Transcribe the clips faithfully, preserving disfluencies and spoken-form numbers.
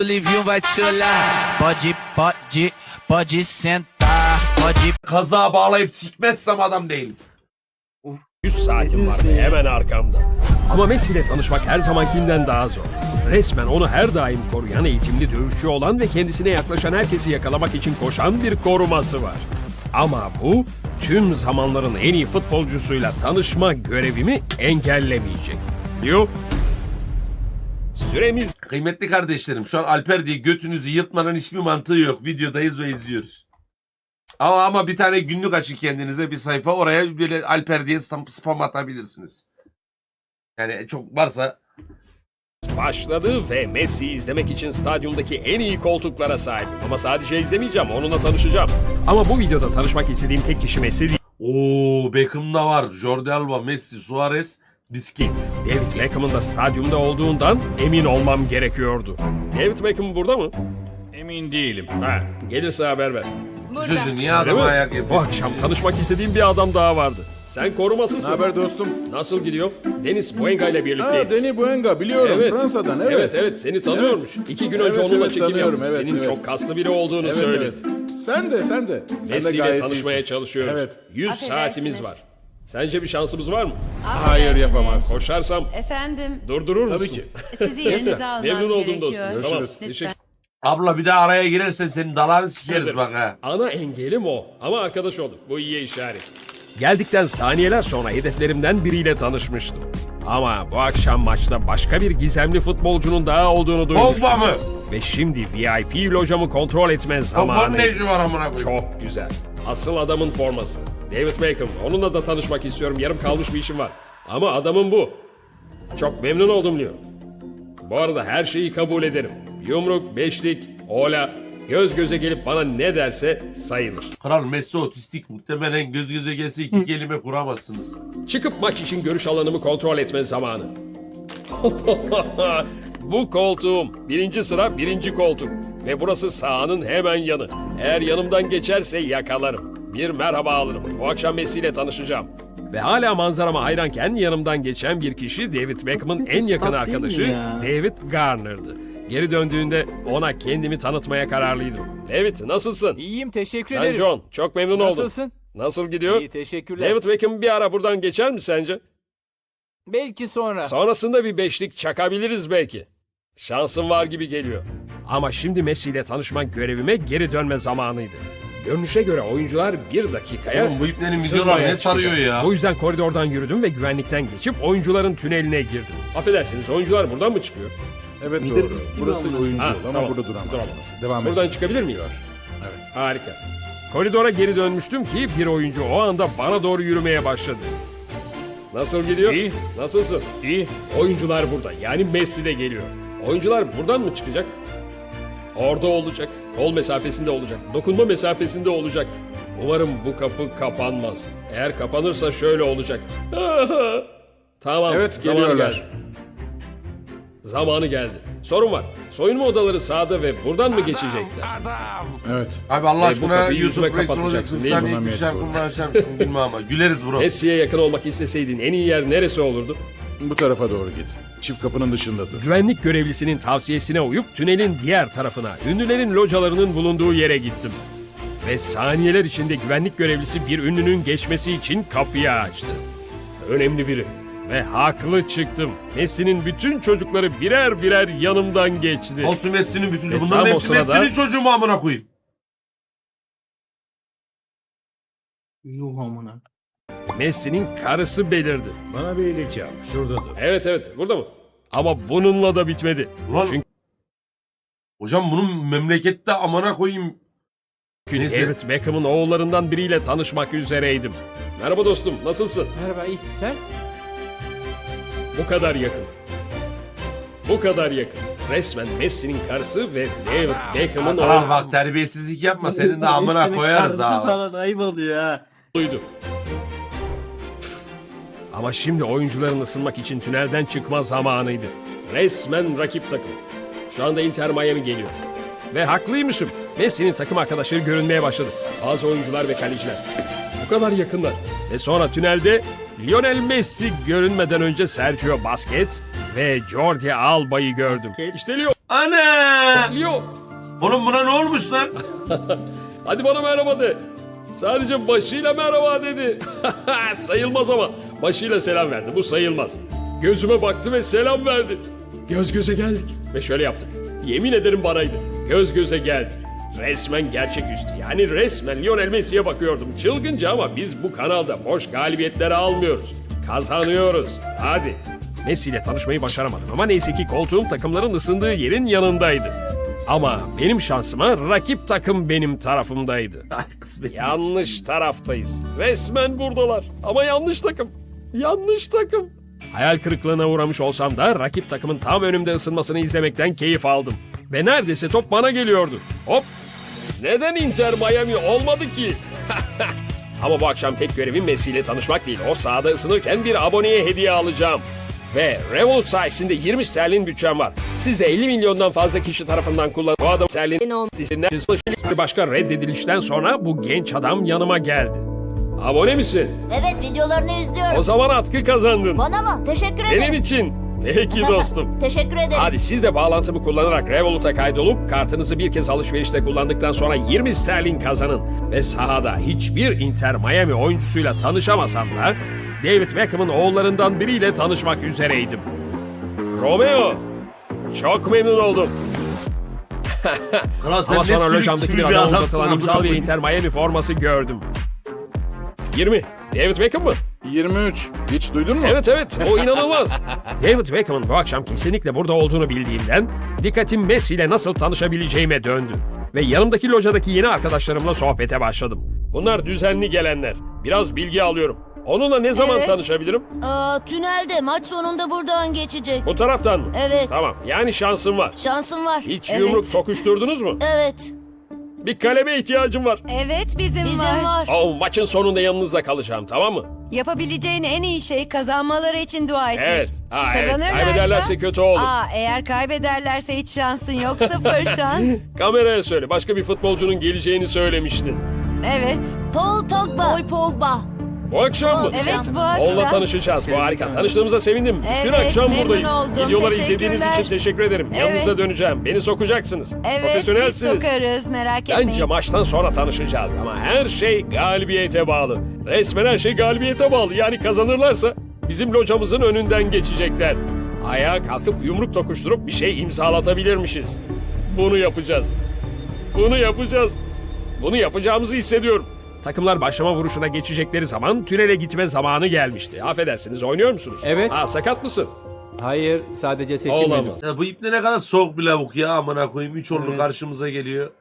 Livinho vai te olhar. Pode, pode, pode sentar. Pode. Kazağa bağlayıp sikmezsem adam değilim. yüz saatim var ve hemen arkamda. Ama Messi ile tanışmak her zamankinden daha zor. Resmen onu her daim koruyan, eğitimli dövüşçü olan ve kendisine yaklaşan herkesi yakalamak için koşan bir koruması var. Ama bu tüm zamanların en iyi futbolcusuyla tanışma görevimi engellemeyecek. Diyor. Süremiz... Kıymetli kardeşlerim, şu an Alper diye götünüzü yırtmanın hiçbir mantığı yok. Videodayız ve izliyoruz. Ama ama bir tane günlük açın kendinize bir sayfa, oraya böyle Alper diye spam, spam atabilirsiniz. Yani çok varsa. Başladı ve Messi'yi izlemek için stadyumdaki en iyi koltuklara sahibim. Ama sadece izlemeyeceğim, onunla tanışacağım. Ama bu videoda tanışmak istediğim tek kişi Messi değil. Oo, Beckham'da var. Jordi Alba, Messi, Suarez, Busquets. David Beckham'ın da stadyumda olduğundan emin olmam gerekiyordu. David Beckham burada mı? Emin değilim. Ha, gelirse haber ver. Bu çocuğu niye Öyle adama mi? ayak Bu yapıyorsun? akşam tanışmak istediğim bir adam daha vardı. Sen korumasısın. Ne haber dostum? Nasıl gidiyor? Deniz Buenga ile birlikteyim. Ha, Deni Buenga biliyorum Evet. Fransa'dan evet. Evet evet seni tanıyormuş. İki gün önce Evet, onunla evet, çekim tanıyorum, yaptık. evet, Senin evet. çok kaslı biri olduğunu Evet söyledi. evet. Sen de sen de. Sen de Messi ile gayet tanışmaya iyisin. çalışıyoruz. Evet. yüz saatimiz var. Sence bir şansımız var mı? Hayır yapamaz. Koşarsam Efendim, durdurur musun? Tabii ki. sizi yerinize almam Memnun oldum gerekiyor. dostum. Tamam. Görüşürüz. Teşekkür. Abla bir daha araya girersen senin dalağını sikeriz bak ha. Ana engelim o. Ama arkadaş olduk. Bu iyiye işaret. Geldikten saniyeler sonra hedeflerimden biriyle tanışmıştım. Ama bu akşam maçta başka bir gizemli futbolcunun daha olduğunu duymuştum. Pogba mı? Ve şimdi V I P locamı kontrol etme Pogba'nın zamanı. ne işi var amına koyayım? Çok güzel. Asıl adamın forması. David Beckham. Onunla da tanışmak istiyorum. Yarım kalmış bir işim var. Ama adamın bu. Çok memnun oldum diyor. Bu arada her şeyi kabul ederim. Yumruk, beşlik, ola, göz göze gelip bana ne derse sayılır. Kral Messi otistik, muhtemelen göz göze gelse iki kelime kuramazsınız. Çıkıp maç için görüş alanımı kontrol etme zamanı. Bu koltuğum. Birinci sıra birinci koltuk. Ve burası sahanın hemen yanı. Eğer yanımdan geçerse yakalarım. Bir merhaba alırım. Bu akşam Messi ile tanışacağım. Ve hala manzarama hayranken yanımdan geçen bir kişi David Beckham'ın en yakın arkadaşı David Garner'dı. Geri döndüğünde ona kendimi tanıtmaya kararlıydım. David nasılsın? İyiyim teşekkür Ben ederim. John. Çok memnun oldum. Nasılsın? Nasıl gidiyor? İyi teşekkürler. David Beckham bir ara buradan geçer mi sence? Belki sonra. Sonrasında bir beşlik çakabiliriz belki. Şansım var gibi geliyor. Ama şimdi Messi ile tanışma görevime geri dönme zamanıydı. Görünüşe göre oyuncular bir dakikaya Oğlum bu iplerin sırmaya videolar ne çıkacak. sarıyor ya? O yüzden koridordan yürüdüm ve güvenlikten geçip oyuncuların tüneline girdim. Affedersiniz, oyuncular buradan mı çıkıyor? Evet doğru. Burası oyuncu Ha, yolu ama tamam. burada duramazsınız. Duramam. Devam Buradan edin. çıkabilir miyim? Evet. Harika. Koridora geri dönmüştüm ki bir oyuncu o anda bana doğru yürümeye başladı. Nasıl gidiyor? İyi. Nasılsın? İyi. Oyuncular burada. Yani Messi de geliyor. Oyuncular buradan mı çıkacak? Orada olacak. Kol mesafesinde olacak. Dokunma mesafesinde olacak. Umarım bu kapı kapanmaz. Eğer kapanırsa şöyle olacak. Tamam. Evet, zamanı geliyorlar. geldi. Zamanı geldi. Sorun var. Soyunma odaları sağda ve buradan mı geçecekler? Evet. Abi Allah Ve bu aşkına kapıyı Yusuf yüzüme Rex kapatacaksın olacak. değil mi? Sen bir şarkımı açar mısın bilmem ama. Güleriz bro. Messi'ye yakın olmak isteseydin en iyi yer neresi olurdu? Bu tarafa doğru git. Çift kapının dışında dur. Güvenlik görevlisinin tavsiyesine uyup tünelin diğer tarafına, ünlülerin localarının bulunduğu yere gittim. Ve saniyeler içinde güvenlik görevlisi bir ünlünün geçmesi için kapıyı açtı. Önemli biri. Ve haklı çıktım. Messi'nin bütün çocukları birer birer yanımdan geçti. Olsun Messi'nin bütün Ve çocuğu. tam Bunların o hepsi sırada- Messi'nin çocuğu mu amına koyayım? Yuh amına. Messi'nin karısı belirdi. Bana bir iyilik yap. Şurada dur. Evet evet, burada mı? Ama bununla da bitmedi. Ulan, Çünkü hocam bunun memlekette amına koyayım. Neyse. David Beckham'ın oğullarından biriyle tanışmak üzereydim. Merhaba dostum, nasılsın? Merhaba iyi. Sen? Bu kadar yakın. Bu kadar yakın. Resmen Messi'nin karısı ve David Beckham'ın Kral bak terbiyesizlik yapma, senin de amına Senin koyarız karısı ha. falan ayıp oluyor ha. oğluydu. Ama şimdi oyuncuların ısınmak için tünelden çıkma zamanıydı. Resmen rakip takım. Şu anda Inter Miami geliyor. Ve haklıymışım. Messi'nin takım arkadaşları görünmeye başladı. Bazı oyuncular ve kaleciler. Bu kadar yakınlar. Ve sonra tünelde Lionel Messi görünmeden önce Sergio Busquets ve Jordi Alba'yı gördüm. Busquets. İşte Leo. Ana! Leo, Oğlum buna ne olmuş lan? hadi bana merhaba de. Sadece başıyla merhaba dedi. Sayılmaz ama. Başıyla selam verdi. Bu sayılmaz. Gözüme baktı ve selam verdi. Göz göze geldik. Ve şöyle yaptık. Yemin ederim banaydı. Göz göze geldik. Resmen gerçeküstü. Yani resmen Lionel Messi'ye bakıyordum. Çılgınca ama biz bu kanalda boş galibiyetleri almıyoruz. Kazanıyoruz. Hadi. Messi ile tanışmayı başaramadım ama neyse ki koltuğum takımların ısındığı yerin yanındaydı. Ama benim şansıma rakip takım benim tarafımdaydı. Ay kısmetimiz. Yanlış taraftayız. Resmen buradalar. Ama yanlış takım. Yanlış takım. Hayal kırıklığına uğramış olsam da rakip takımın tam önümde ısınmasını izlemekten keyif aldım. Ve neredeyse top bana geliyordu. Hop! Neden Inter Miami olmadı ki? Ama bu akşam tek görevim Messi ile tanışmak değil. O sahada ısınırken bir aboneye hediye alacağım. Ve Revolut sayesinde yirmi sterlin bütçem var. Siz de elli milyondan fazla kişi tarafından kullanılan bu adam sterlin sizinle bir başka reddedilişten sonra bu genç adam yanıma geldi. Abone misin? Evet, videolarını izliyorum. O zaman atkı kazandın. Bana mı? Teşekkür Senin ederim. için. Peki dostum. Teşekkür ederim. Hadi siz de bağlantımı kullanarak Revolut'a kaydolup kartınızı bir kez alışverişte kullandıktan sonra yirmi sterlin kazanın. Ve sahada hiçbir Inter Miami oyuncusuyla tanışamasam da David Beckham'ın oğullarından biriyle tanışmak üzereydim. Romeo, çok memnun oldum. Kral sen Ama ne sonra sülük lojamdaki gibi bir bir adama adamsın uzatılan amına imzalı bir koyayım. Inter Miami forması gördüm. yirmi. David Beckham mı? yirmi üç. Hiç duydun mu? Evet evet, o inanılmaz. David Beckham'ın bu akşam kesinlikle burada olduğunu bildiğimden dikkatim Messi ile nasıl tanışabileceğime döndü. Ve yanımdaki lojadaki yeni arkadaşlarımla sohbete başladım. Bunlar düzenli gelenler. Biraz bilgi alıyorum. Onunla ne zaman Evet. tanışabilirim? Aa, tünelde maç sonunda buradan geçecek. Bu taraftan mı? Evet. Tamam, yani şansım var. Şansın var. Hiç evet. yumruk sokuşturdunuz mu? Evet. Bir kaleme ihtiyacım var. Evet bizim, Bizim var. var. Oh, maçın sonunda yanınızda kalacağım, tamam mı? Yapabileceğin en iyi şey kazanmaları için dua etmek. Evet. Ha, evet. Kazanırlarsa- Kaybederlerse kötü olur. Aa, eğer kaybederlerse hiç şansın yok. Sıfır şans. Kameraya söyle. Başka bir futbolcunun geleceğini söylemiştin. Evet. Paul Pogba. Paul Pogba. Bu akşam mı? Evet bu Onunla akşam. tanışacağız. Bu harika. Tanıştığımıza sevindim. Bütün Evet, akşam memnun buradayız. oldum. Videoları izlediğiniz Teşekkürler. için teşekkür ederim. Evet. Yanınıza döneceğim. Beni sokacaksınız. Evet biz Profesyonelsiniz. sokarız merak etmeyin. Bence maçtan sonra tanışacağız ama her şey galibiyete bağlı. Resmen her şey galibiyete bağlı. Yani kazanırlarsa bizim locamızın önünden geçecekler. Ayağa kalkıp yumruk tokuşturup bir şey imzalatabilirmişiz. Bunu yapacağız. Bunu yapacağız. Bunu yapacağımızı hissediyorum. Takımlar başlama vuruşuna geçecekleri zaman tünele gitme zamanı gelmişti. Affedersiniz, oynuyor musunuz? Evet. Ha, sakat mısın? Hayır, sadece seçilmedim. Olamaz. Ya bu ipne ne kadar soğuk bir lavuk ya amına koyayım. Üç oldu Evet. karşımıza geliyor.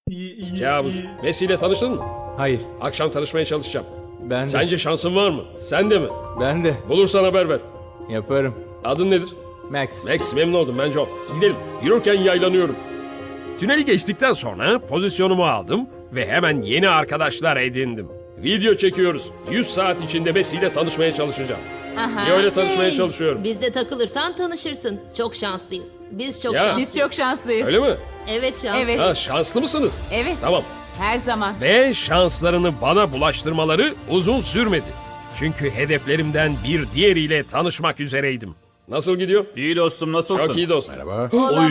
Kabus. Messi ile tanıştın mı? Hayır, Akşam tanışmaya çalışacağım. ben de. Sence şansın var mı? Sen de mi? Ben de. Bulursan haber ver. Yaparım. Adın nedir? Max. Max, memnun oldum, ben John. Gidelim. Yürürken yaylanıyorum. Tüneli geçtikten sonra pozisyonumu aldım ve hemen yeni arkadaşlar edindim. Video çekiyoruz. yüz saat içinde Messi ile tanışmaya çalışacağım. Aha, Niye öyle tanışmaya şey, çalışıyorum? Bizde takılırsan tanışırsın. Çok şanslıyız. Biz çok Ya. şanslıyız. Biz çok şanslıyız. Öyle mi? Evet şanslı. Evet. Ha, şanslı mısınız? Evet. Tamam. Her zaman. Ve şanslarını bana bulaştırmaları uzun sürmedi. Çünkü hedeflerimden bir diğeriyle tanışmak üzereydim. Nasıl gidiyor? İyi dostum, nasılsın? Çok iyi dostum. Merhaba. Oy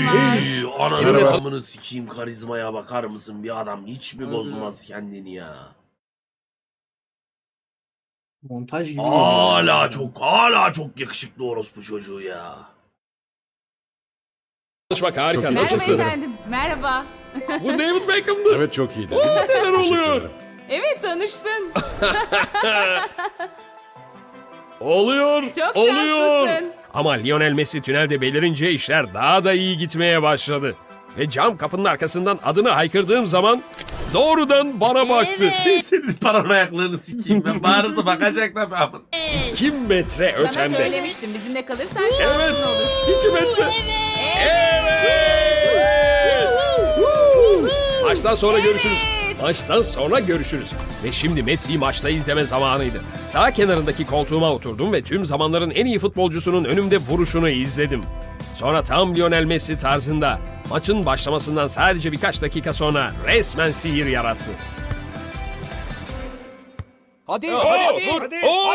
ananı Merhaba. amını sikeyim, karizmaya bakar mısın? Bir adam hiç mi bozmaz kendini ya? Montaj gibi. Hala çok hala çok yakışıklı orospu çocuğu ya. Tanışmak harika. Çok iyi. Nasılsın? Merhaba. Bu David Beckham'dı. Evet çok iyiydi. Neler Teşekkür oluyor? ederim. Evet tanıştın. Oluyor. Çok oluyor. şanslısın. Ama Lionel Messi tünelde belirince işler daha da iyi gitmeye başladı. Ve cam kapının arkasından adını haykırdığım zaman doğrudan bana baktı. Evet. Senin paranoyaklığını sikeyim ben. Bağırırsa bakacak tabii amın. iki metre ötemde. söylemiştim bizimle kalırsan Evet. iki metre. Evet. Maçtan sonra görüşürüz. Maçtan sonra görüşürüz. Ve şimdi Messi'yi maçta izleme zamanıydı. Sağ kenarındaki koltuğuma oturdum ve tüm zamanların en iyi futbolcusunun önümde vuruşunu izledim. Sonra tam Lionel Messi tarzında maçın başlamasından sadece birkaç dakika sonra resmen sihir yarattı. Hadi, Oh, hadi, vur. hadi. Oh!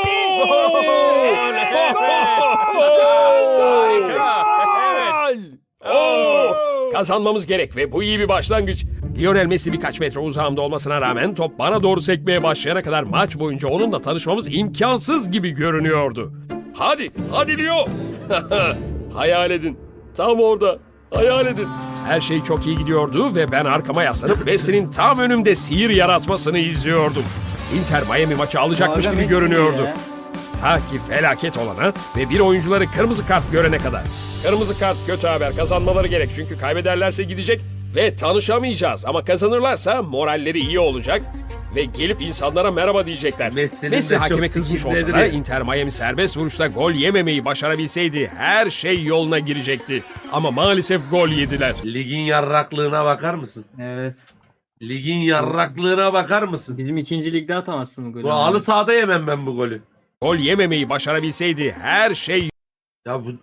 Gol! Oh! Kazanmamız gerek ve bu iyi bir başlangıç. Lionel Messi birkaç metre uzağımda olmasına rağmen top bana doğru sekmeye başlayana kadar maç boyunca onunla tanışmamız imkansız gibi görünüyordu. Hadi, hadi Leo. Hayal edin. Tam orada. Hayal edin. Her şey çok iyi gidiyordu ve ben arkama yaslanıp Messi'nin tam önümde sihir yaratmasını izliyordum. Inter Miami maçı alacakmış Aga gibi Messi görünüyordu. ya. Ta ki felaket olana ve bir oyuncuları kırmızı kart görene kadar. Kırmızı kart kötü haber. Kazanmaları gerek çünkü kaybederlerse gidecek ve tanışamayacağız. Ama kazanırlarsa moralleri iyi olacak ve gelip insanlara merhaba diyecekler. Messi'nin Messi de hakeme çok kızmış olsa da sikimleri. Inter Miami serbest vuruşta gol yememeyi başarabilseydi her şey yoluna girecekti. Ama maalesef gol yediler. Ligin yarraklığına bakar mısın? Evet. Ligin yarraklığına bakar mısın? Bizim ikinci ligde atamazsın bu golü. Bu halı sahada yemem ben bu golü. Gol yememeyi başarabilseydi her şey Ya bu...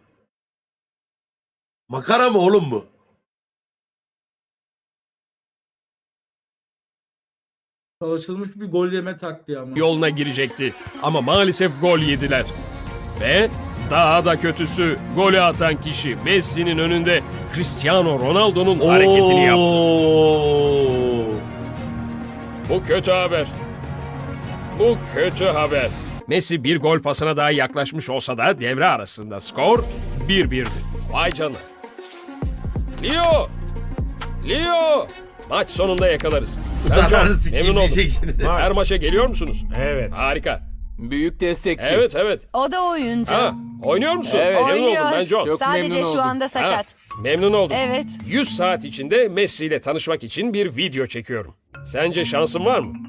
Makara mı oğlum bu? Çalışılmış bir gol yeme taktiği ama. yoluna girecekti. Ama maalesef gol yediler. Ve daha da kötüsü golü atan kişi Messi'nin önünde Cristiano Ronaldo'nun hareketini yaptı. Oo. Bu kötü haber. Bu kötü haber. Messi bir gol pasına daha yaklaşmış olsa da devre arasında skor bir birdi. Vay canına. Leo! Leo! Maç sonunda yakalarız. Ben Zararı John, sikeyim memnun oldum. diyecek şimdi. Her maça geliyor musunuz? Evet. Harika. Büyük destekçi. Evet evet. O da oyuncu. Ha, oynuyor musun? Evet. Memnun Oynuyor. oldum ben John. Çok Sadece memnun şu oldum. anda Ha, sakat. memnun oldum. Evet. yüz saat içinde Messi ile tanışmak için bir video çekiyorum. Sence şansın var mı?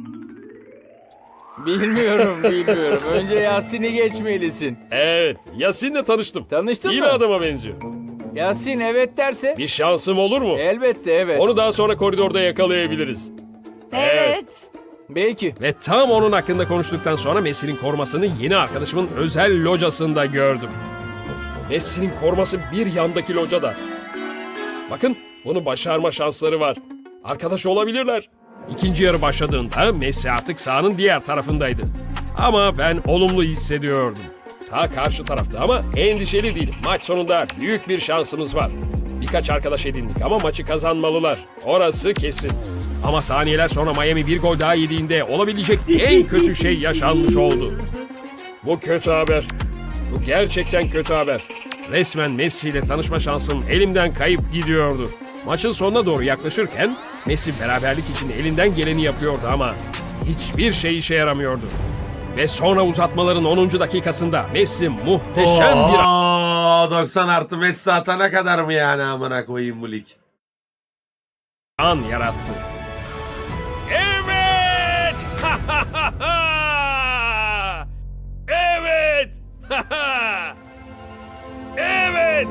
Bilmiyorum, bilmiyorum. Önce Yasin'i geçmelisin. Evet. Yasin'le tanıştım. Tanıştın İyi mı? bir adama benziyor. Yasin evet derse Bir şansım olur mu? elbette evet. Onu daha sonra koridorda yakalayabiliriz. Evet. Belki. Ve tam onun hakkında konuştuktan sonra Messi'nin korumasını yeni arkadaşımın özel locasında gördüm. Messi'nin koruması bir yandaki locada. Bakın bunu başarma şansları var. Arkadaş olabilirler. İkinci yarı başladığında Messi artık sahanın diğer tarafındaydı. Ama ben olumlu hissediyordum. Ta karşı tarafta ama endişeli değilim. Maç sonunda büyük bir şansımız var. Birkaç arkadaş edindik ama maçı kazanmalılar. Orası kesin. Ama saniyeler sonra Miami bir gol daha yediğinde olabilecek en kötü şey yaşanmış oldu. Bu kötü haber. Bu gerçekten kötü haber. Resmen Messi ile tanışma şansım elimden kayıp gidiyordu. Maçın sonuna doğru yaklaşırken Messi beraberlik için elinden geleni yapıyordu ama hiçbir şey işe yaramıyordu. Ve sonra uzatmaların onuncu dakikasında Messi muhteşem bir Oo, doksan artı Messi atana kadar mı yani amına koyayım bu lig? an yarattı. Evet! evet! evet!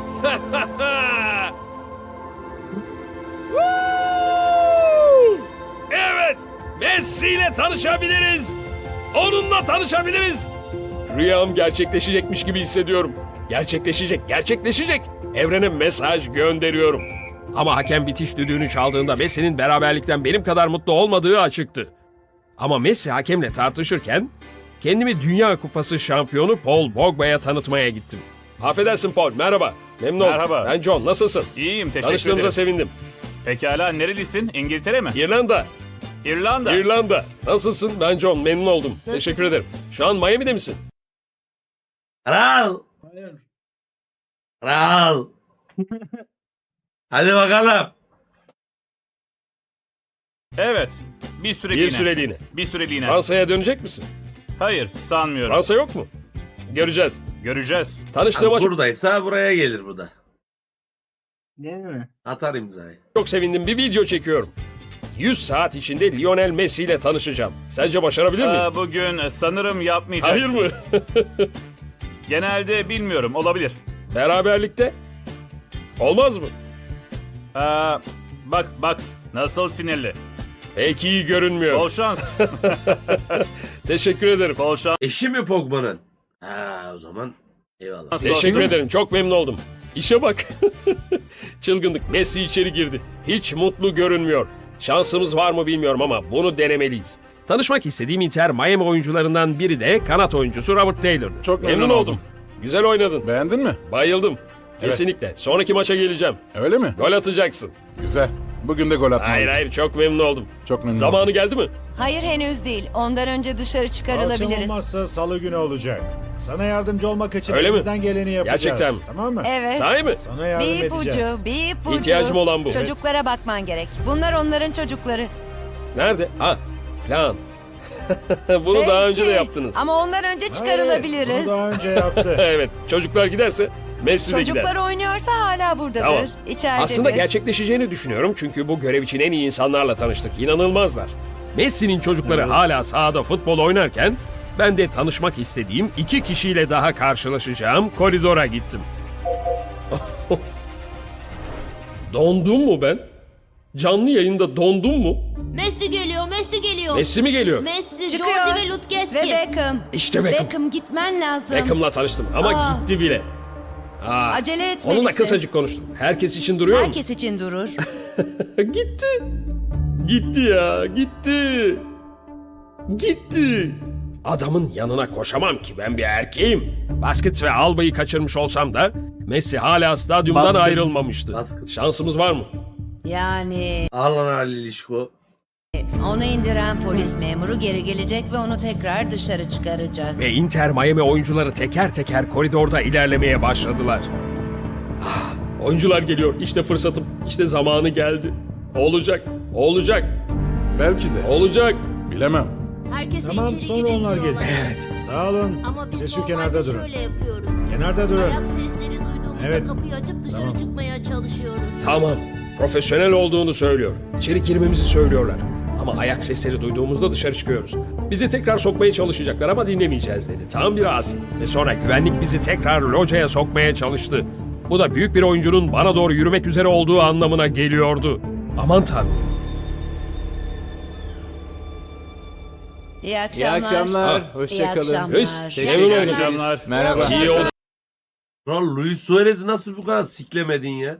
Woo! Evet! Messi ile tanışabiliriz. Onunla tanışabiliriz. Rüyam gerçekleşecekmiş gibi hissediyorum. Gerçekleşecek, gerçekleşecek. Evrene mesaj gönderiyorum. Ama hakem bitiş düdüğünü çaldığında Messi'nin beraberlikten benim kadar mutlu olmadığı açıktı. Ama Messi hakemle tartışırken kendimi Dünya Kupası şampiyonu Paul Pogba'ya tanıtmaya gittim. Affedersin Paul, merhaba. Memnun oldum. Merhaba. Ben John, nasılsın? İyiyim, teşekkür Tanıştığımıza ederim. sevindim. Pekala, nerelisin? İngiltere mi? İrlanda, İrlanda. İrlanda. Nasılsın? Ben John, memnun oldum. Teşekkür ederim. Şu an Miami'de misin? Kral! Hayır. Kral! Hadi bakalım. Evet, bir süreliğine. Bir süreliğine. Bir süreliğine. Fransa'ya dönecek misin? Hayır, sanmıyorum. Fransa yok mu? Göreceğiz. Göreceğiz. Tanıştığıma çok, Buradaysa buraya gelir bu da. Değil mi? Atar imzayı. çok sevindim. Bir video çekiyorum. yüz saat içinde Lionel Messi ile tanışacağım. Sence başarabilir miyim? Aa, bugün sanırım yapmayacaksın. Hayır mı? Genelde bilmiyorum, olabilir. Beraberlikte? Olmaz mı? Aa, bak bak, nasıl sinirli. Pek iyi görünmüyor. Bol şans. Teşekkür ederim. Bol şans. Eşi mi Pogba'nın? Ha o zaman eyvallah. Nasıl Teşekkür dostum? ederim. Çok memnun oldum. İşe bak. Çılgınlık. Messi içeri girdi. Hiç mutlu görünmüyor. Şansımız var mı bilmiyorum ama bunu denemeliyiz. Tanışmak istediğim Inter Miami oyuncularından biri de kanat oyuncusu Robert Taylor. Çok memnun memnun oldum. oldum. Güzel oynadın. Beğendin mi? Bayıldım. Kesinlikle. Sonraki maça geleceğim. Öyle mi? Gol atacaksın. Güzel. Bugün de gol atmalıyım. Hayır hayır çok memnun oldum. Çok memnun Zamanı oldum. geldi mi? Hayır henüz değil. Ondan önce dışarı çıkarılabiliriz. olmazsa salı günü olacak. Sana yardımcı olmak için Öyle mi? elimizden geleni yapacağız. Gerçekten mi? Tamam mı? Evet. Sahi mi? Sana yardım Bir edeceğiz. ipucu, bir ipucu. İhtiyacım olan bu. Çocuklara bakman gerek. Bunlar onların çocukları. Nerede? Ha, plan. Bunu daha önce de Belki. yaptınız. Ama ondan önce Hayır, çıkarılabiliriz. bunu daha önce yaptı. Evet, çocuklar giderse Messi de Çocuklar gider. oynuyorsa hala buradadır. Tamam. İçeridedir. Aslında gerçekleşeceğini düşünüyorum çünkü bu görev için en iyi insanlarla tanıştık. İnanılmazlar. Messi'nin çocukları hala sahada futbol oynarken ben de tanışmak istediğim iki kişiyle daha karşılaşacağım koridora gittim. Dondum mu ben? Canlı yayında dondum mu? Messi geliyor, Messi geliyor. Messi mi geliyor? Messi, Çıkıyor. Jordi ve Lutkeski. Ve Beckham. İşte Beckham. Beckham gitmen lazım. Beckham'la tanıştım ama Aa. gitti bile. Aa, Acele etmelisin. onunla kısacık konuştum. Herkes için duruyor mu? Herkes için durur. Gitti. Gitti ya, gitti. Gitti. Adamın yanına koşamam ki, ben bir erkeğim. Basket ve Alba'yı kaçırmış olsam da Messi hala stadyumdan Basket. ayrılmamıştı. Basket. Şansımız var mı? Yani Al lan Ali İlişko. onu indiren polis memuru geri gelecek ve onu tekrar dışarı çıkaracak. Ve Inter Miami oyuncuları teker teker koridorda ilerlemeye başladılar. Ah, oyuncular geliyor. İşte fırsatım. İşte zamanı geldi. Olacak. Olacak. Belki de. Olacak. Bilemem. Herkes Tamam, içeri sonra onlar gidebiliyorlar. gelecek. Sağ olun. Ama biz Siz şu normalde kenarda durun. şöyle yapıyoruz. Kenarda durun. Ayak sesleri duyduğumuzda Evet. kapıyı açıp dışarı Tamam. çıkmaya çalışıyoruz. Tamam. Profesyonel olduğunu söylüyor. İçeri girmemizi söylüyorlar. Ama ayak sesleri duyduğumuzda dışarı çıkıyoruz. Bizi tekrar sokmaya çalışacaklar ama dinlemeyeceğiz dedi. Tam bir asi. Ve sonra güvenlik bizi tekrar locaya sokmaya çalıştı. Bu da büyük bir oyuncunun bana doğru yürümek üzere olduğu anlamına geliyordu. Aman tanrım. İyi İyi akşamlar. akşamlar. Ah. Hoşça İyi kalın. akşamlar. Reis, İyi memnun oldum. akşamlar. Merhaba. İyi İyi oldu. Lan Luis Suarez'i nasıl bu kadar siklemedin ya?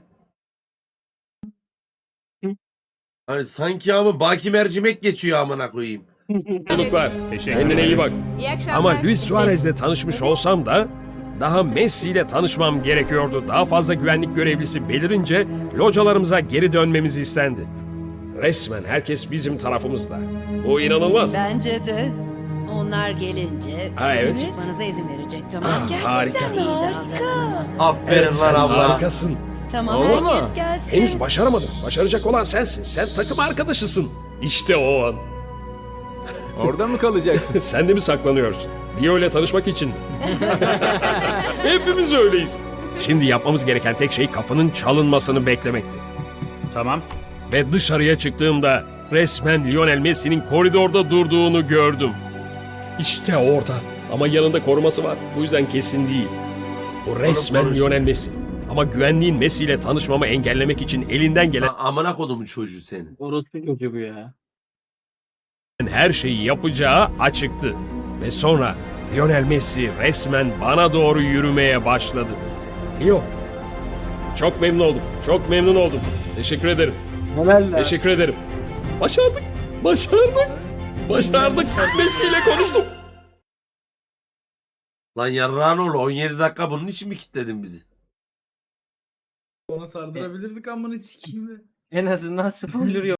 Hani sanki ama Baki Mercimek geçiyor amına koyayım. Çocuklar, Teşekkür kendine iyi bak. İyi akşamlar. Ama Luis Suarez'le tanışmış olsam da daha Messi ile tanışmam gerekiyordu. Daha fazla güvenlik görevlisi belirince localarımıza geri dönmemiz istendi. Resmen herkes bizim tarafımızda. Bu inanılmaz. Bence de. Onlar gelince Ha, sizin evet. çıkmanıza izin verecek, tamam. Ah, Gerçekten harika. iyi davranın. Aferin Evet, sen lan abla. harikasın. Tamam, Olur mu? herkes gelsin. Henüz başaramadın. Başaracak olan sensin. Sen takım arkadaşısın. İşte o an. Orada mı kalacaksın? Sen de mi saklanıyorsun? Dio ile tanışmak için mi? Hepimiz öyleyiz. Şimdi yapmamız gereken tek şey kapının çalınmasını beklemekti. Tamam. Ve dışarıya çıktığımda resmen Lionel Messi'nin koridorda durduğunu gördüm. İşte orada. Ama yanında koruması var. Bu yüzden kesin değil. Bu resmen korusun. Lionel Messi. Ama güvenliğin Messi ile tanışmamı engellemek için elinden gelen Lan amına kodumun çocuğu senin. Orası çocuğu bu ya. her şeyi yapacağı açıktı. Ve sonra Lionel Messi resmen bana doğru yürümeye başladı. Leo, çok memnun oldum. Çok memnun oldum. Teşekkür ederim. Helal lan. Teşekkür ederim. Başardık. Başardık. Başardık. Messi ile konuştum. Lan yarrağın oğlu on yedi dakika bunun için mi kilitledin bizi? Ona sardırabilirdik amına sikeyim be. En azından spoiler yok.